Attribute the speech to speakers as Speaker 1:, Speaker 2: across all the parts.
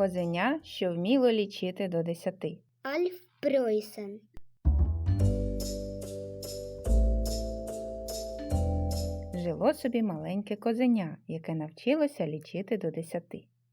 Speaker 1: Козеня, що вміло лічити до 10.
Speaker 2: Альф Пройсен.
Speaker 1: Жило собі маленьке козеня, яке навчилося лічити до 10.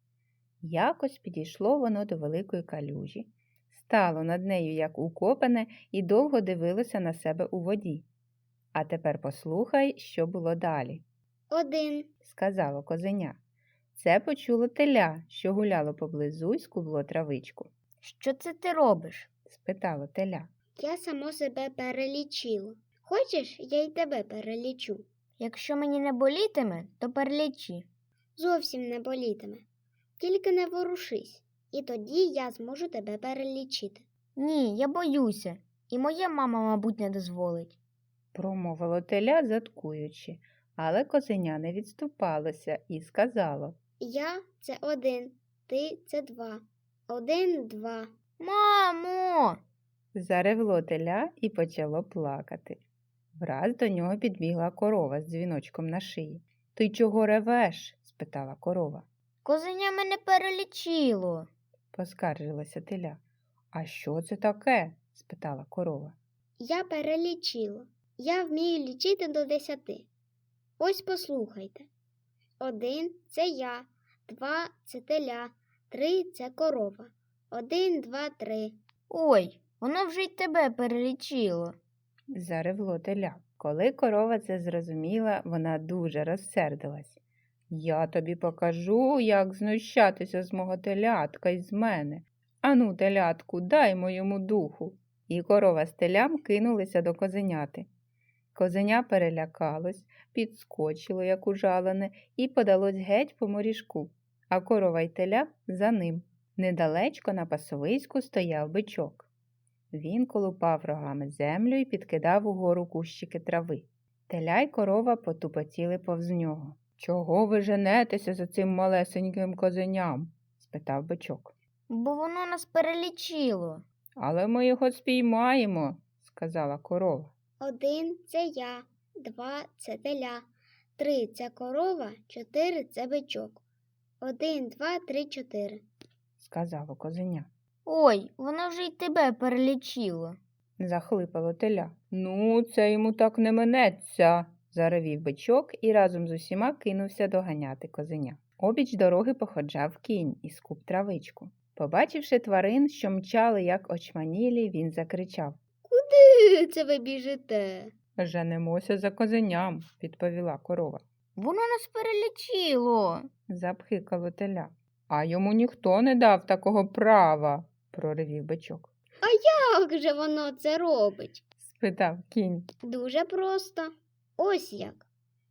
Speaker 1: Якось підійшло воно до великої калюжі, стало над нею як укопане і довго дивилося на себе у воді. «А тепер послухай, що було далі»,
Speaker 2: 1,
Speaker 1: – сказало козеня. Це почуло теля, що гуляло поблизу й скубло травичку.
Speaker 3: Що це ти робиш?
Speaker 1: – спитало теля.
Speaker 2: Я само себе перелічила. Хочеш, я й тебе перелічу?
Speaker 3: Якщо мені не болітиме, то перелічи.
Speaker 2: Зовсім не болітиме. Тільки не ворушись, і тоді я зможу тебе перелічити.
Speaker 3: Ні, я боюся. І моя мама, мабуть, не дозволить.
Speaker 1: Промовило теля, заткуючи, але козеня не відступалося і сказало.
Speaker 2: Я – це 1, ти – це 2. 1, 2.
Speaker 3: Мамо!
Speaker 1: Заревло теля і почало плакати. Враз до нього підбігла корова з дзвіночком на шиї. «Ти чого ревеш?» – спитала корова.
Speaker 3: Козеня мене перелічило.
Speaker 1: Поскаржилася теля. «А що це таке?» – спитала корова.
Speaker 2: Я перелічила. Я вмію лічити до 10. Ось послухайте. 1 – це я, 2 – це теля, 3 – це корова. 1, 2, 3.
Speaker 3: Ой, воно вже й тебе перелічило.
Speaker 1: Заревло теля. Коли корова це зрозуміла, вона дуже розсердилась. «Я тобі покажу, як знущатися з мого телятка й з мене. Ану, телятку, дай моєму духу». І корова з телям кинулися до козеняти. Козеня перелякалось, підскочило, як ужалене, і подалось геть по моріжку, а корова й теля за ним. Недалечко на пасовиську стояв бичок. Він колупав рогами землю і підкидав угору кущики трави. Теля й корова потупотіли повз нього. «Чого ви женетеся за цим малесеньким козеням?» – спитав бичок.
Speaker 3: Бо воно нас перелічило.
Speaker 1: «Але ми його спіймаємо», – сказала корова.
Speaker 2: 1 – це я, 2 – це теля, 3 – це корова, 4 – це бичок. 1, 2, 3, 4.
Speaker 1: – сказало козеня.
Speaker 3: Ой, воно вже й тебе перелічило.
Speaker 1: Захлипало теля. «Ну, це йому так не минеться», – заревів бичок і разом з усіма кинувся доганяти козеня. Обіч дороги походжав кінь і скуб травичку. Побачивши тварин, що мчали, як очманілі, він закричав.
Speaker 2: Куди це ви біжите?
Speaker 1: «Женемося за козеням», – відповіла корова.
Speaker 3: Воно нас перелічило.
Speaker 1: Запхикало теля. «А йому ніхто не дав такого права», – проривів бичок.
Speaker 2: Як же воно це робить?
Speaker 1: – спитав кінь.
Speaker 2: Дуже просто. Ось як.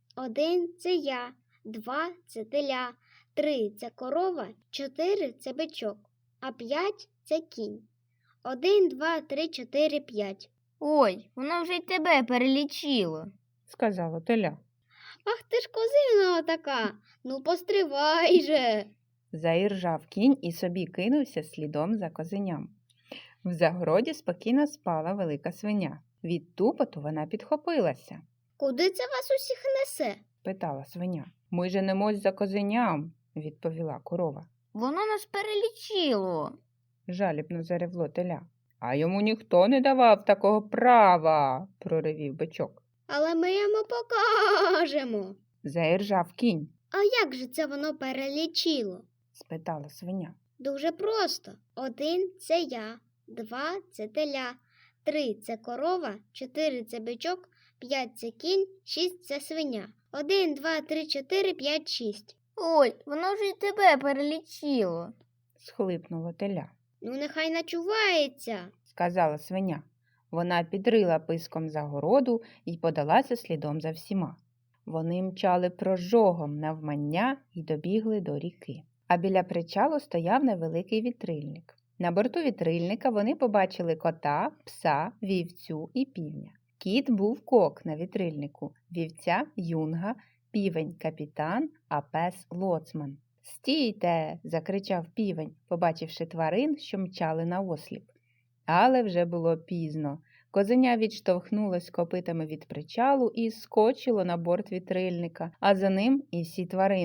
Speaker 2: 1 – це я, 2 – це теля, 3 – це корова, 4 – це бичок, а 5 – це кінь. 1, 2, 3, 4, 5.
Speaker 3: Ой, воно вже й тебе перелічило.
Speaker 1: – сказало теля.
Speaker 2: Ах ти ж козина така, ну постривай же.
Speaker 1: Заіржав кінь і собі кинувся слідом за козеням. В загороді спокійно спала велика свиня. Від тупоту вона підхопилася.
Speaker 2: Куди це вас усіх несе?
Speaker 1: – питала свиня. «Ми женемось за козеням», – відповіла корова.
Speaker 3: Воно нас перелічило.
Speaker 1: Жалібно заревло теля. «А йому ніхто не давав такого права», – проривів бичок.
Speaker 2: Але ми йому покажемо.
Speaker 1: Заіржав кінь.
Speaker 2: А як же це воно перелічило?
Speaker 1: – спитала свиня.
Speaker 2: Дуже просто. 1 – це я, 2 – це теля, 3 – це корова, 4 – це бичок, 5 – це кінь, 6 – це свиня. 1, 2, 3, 4, 5, 6.
Speaker 3: Ой, воно вже й тебе перелічило.
Speaker 1: – схлипнуло теля.
Speaker 2: Ну, нехай начувається.
Speaker 1: – сказала свиня. Вона підрила писком загороду і подалася слідом за всіма. Вони мчали прожогом навмання і добігли до ріки. А біля причалу стояв невеликий вітрильник. На борту вітрильника вони побачили кота, пса, вівцю і півня. Кіт був кок на вітрильнику, вівця – юнга, півень – капітан, а пес – лоцман. «Стійте!» – закричав півень, побачивши тварин, що мчали наосліп. Але вже було пізно. Козеня відштовхнулось копитами від причалу і скочило на борт вітрильника, а за ним і всі тварини.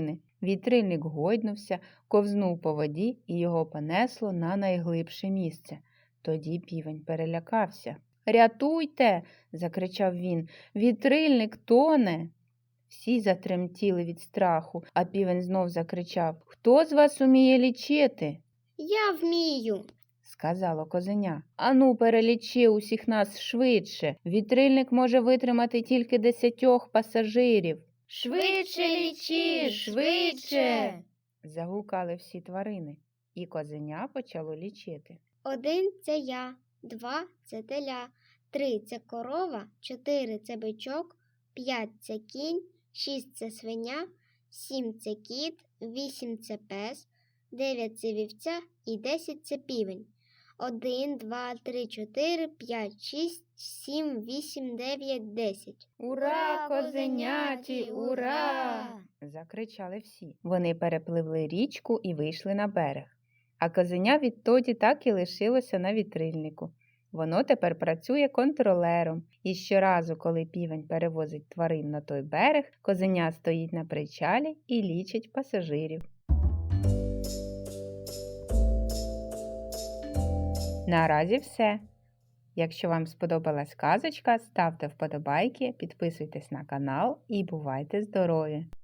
Speaker 1: Вітрильник гойднувся, ковзнув по воді і його понесло на найглибше місце. Тоді півень перелякався. «Рятуйте!» – закричав він. «Вітрильник тоне!» Всі затремтіли від страху, а півень знов закричав: «Хто з вас уміє лічити?»
Speaker 2: Я вмію.
Speaker 1: – сказало козеня. «Ану, перелічи усіх нас швидше. Вітрильник може витримати тільки 10 пасажирів».
Speaker 3: Швидше лічи, швидше.
Speaker 1: Загукали всі тварини, і козеня почало лічити.
Speaker 2: 1 – це я, 2 – це теля, 3 – це корова, 4 – це бичок, 5 – це кінь, 6 – це свиня, 7 – це кіт, 8 – це пес, 9 – це вівця і 10 – це півень. 1, 2, 3, 4, 5, 6, 7, 8, 9, 10.
Speaker 1: «Ура, козеняті, ура!» – закричали всі. Вони перепливли річку і вийшли на берег. А козеня відтоді так і лишилося на вітрильнику. Воно тепер працює контролером, і щоразу, коли півень перевозить тварин на той берег, козеня стоїть на причалі і лічить пасажирів. Наразі все. Якщо вам сподобалась казочка, ставте вподобайки, підписуйтесь на канал і бувайте здорові!